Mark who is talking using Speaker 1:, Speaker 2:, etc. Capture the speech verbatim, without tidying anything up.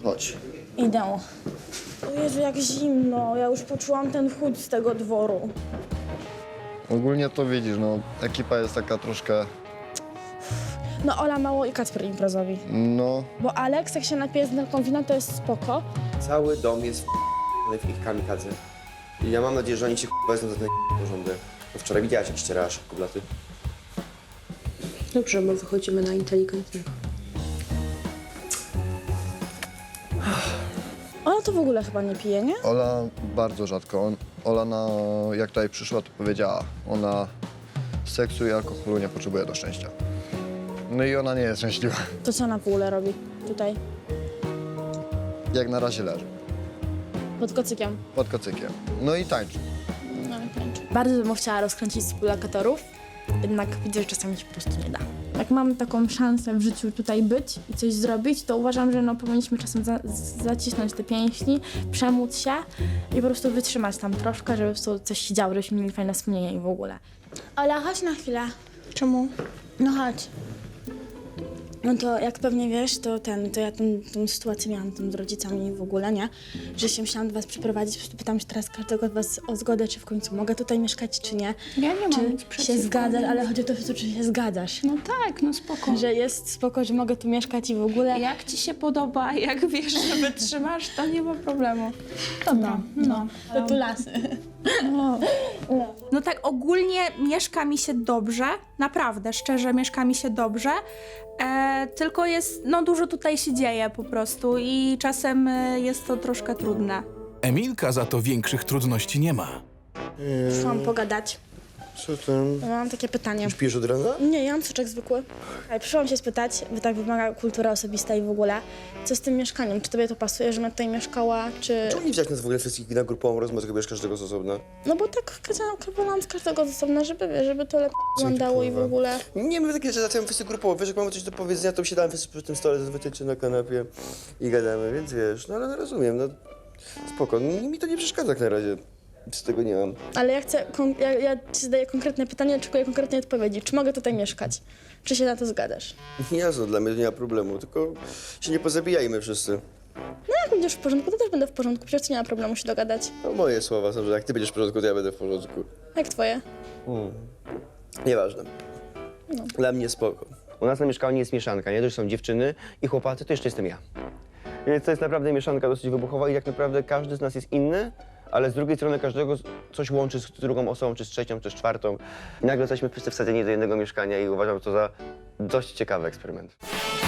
Speaker 1: Chodź.
Speaker 2: Idę. O Jezu, jak zimno. Ja już poczułam ten chłód z tego dworu.
Speaker 3: Ogólnie to widzisz, no, ekipa jest taka troszkę,
Speaker 2: No Ola mało i Kacper imprezowi.
Speaker 3: no,
Speaker 2: Bo Aleks, jak się napije z nerką wina, to jest spoko.
Speaker 1: Cały dom jest w ich kamikadze. I ja mam nadzieję, że oni się wezmą za ten porządek. Bo wczoraj widziałaś, jak ścierałaś kublaty.
Speaker 4: Dobrze, bo wychodzimy na inteligentnego.
Speaker 2: Ona to w ogóle chyba nie pije, nie?
Speaker 3: Ola bardzo rzadko. On, Ola, na, jak tutaj przyszła, to powiedziała, ona seksu i alkoholu nie potrzebuje do szczęścia. No i ona nie jest szczęśliwa.
Speaker 2: To co ona w ogóle robi tutaj?
Speaker 3: Jak na razie leży,
Speaker 2: Pod kocykiem.
Speaker 3: pod kocykiem. No i tańczy.
Speaker 2: No, tańczy. Bardzo bym chciała rozkręcić współlokatorów, jednak widzę, że czasami się po prostu nie da. Jak mamy taką szansę w życiu tutaj być i coś zrobić, to uważam, że no, powinniśmy czasem za zacisnąć te pięści, przemóc się i po prostu wytrzymać tam troszkę, żeby po prostu coś się działo, żebyśmy mieli fajne wspomnienia i w ogóle. Ola, chodź na chwilę. Czemu? No chodź. No to jak pewnie wiesz, to ten, to ja tą, tą sytuację miałam tam z rodzicami w ogóle, nie? Że się musiałam do was przyprowadzić, po prostu pytam się teraz każdego z was o zgodę, czy w końcu mogę tutaj mieszkać, czy nie.
Speaker 5: Ja nie mam
Speaker 2: Czy
Speaker 5: nic
Speaker 2: się
Speaker 5: przeciwko.
Speaker 2: zgadzasz, ale chodzi o to, czy się zgadzasz.
Speaker 5: No tak, no spoko.
Speaker 2: Że jest spoko, że mogę tu mieszkać i w ogóle.
Speaker 5: Jak ci się podoba, jak wiesz, że wytrzymasz, to nie ma problemu. Dobra, no.
Speaker 2: To tu lasy.
Speaker 6: No tak ogólnie mieszka mi się dobrze, naprawdę, szczerze mieszka mi się dobrze, e, tylko jest, no dużo tutaj się dzieje po prostu i czasem e, jest to troszkę trudne.
Speaker 7: Emilka za to większych trudności nie ma.
Speaker 2: Przyszłam pogadać.
Speaker 1: Co tam?
Speaker 2: Ja mam takie pytanie.
Speaker 1: Śpisz od rana?
Speaker 2: Nie, ja mam soczek zwykły. Ale przyszłam się spytać, bo tak wymaga kultura osobista i w ogóle, co z tym mieszkaniem? Czy tobie to pasuje, żebym tutaj mieszkała, czy...
Speaker 1: Czemu nie wziąć nas w ogóle wszystkich na grupową rozmowę, tylko bierz każdego z osobna?
Speaker 2: No bo tak wolałam z każdego z osobna, żeby, wiesz, żeby to lepiej wyglądało i w ogóle...
Speaker 1: Nie, my takie rzeczy zaczynamy wszyscy grupowo. Wiesz, jak mamy coś do powiedzenia, to siadamy wszyscy przy tym stole, zazwyczaj czy na kanapie i gadamy, więc wiesz, no ale no, rozumiem, no spoko. No, mi to nie przeszkadza jak na razie. Z tego nie mam.
Speaker 2: Ale ja chcę, kon- ja, ja ci zadaję konkretne pytanie, oczekuję konkretnej odpowiedzi. Czy mogę tutaj mieszkać? Czy się na to zgadasz?
Speaker 1: Jasno, dla mnie to nie ma problemu, tylko się nie pozabijajmy wszyscy.
Speaker 2: No jak będziesz w porządku, to też będę w porządku. Przecież nie ma problemu się dogadać.
Speaker 1: No moje słowa są, że jak ty będziesz w porządku, to ja będę w porządku.
Speaker 2: Jak twoje?
Speaker 1: Nieważne. Dla mnie spoko. U nas na mieszkaniu jest mieszanka, nie? To już są dziewczyny i chłopacy, to jeszcze jestem ja. Więc to jest naprawdę mieszanka dosyć wybuchowa i jak naprawdę każdy z nas jest inny, ale z drugiej strony każdego coś łączy z drugą osobą, czy z trzecią, czy z czwartą. I nagle jesteśmy wszyscy wsadzeni do jednego mieszkania i uważam to za dość ciekawy eksperyment.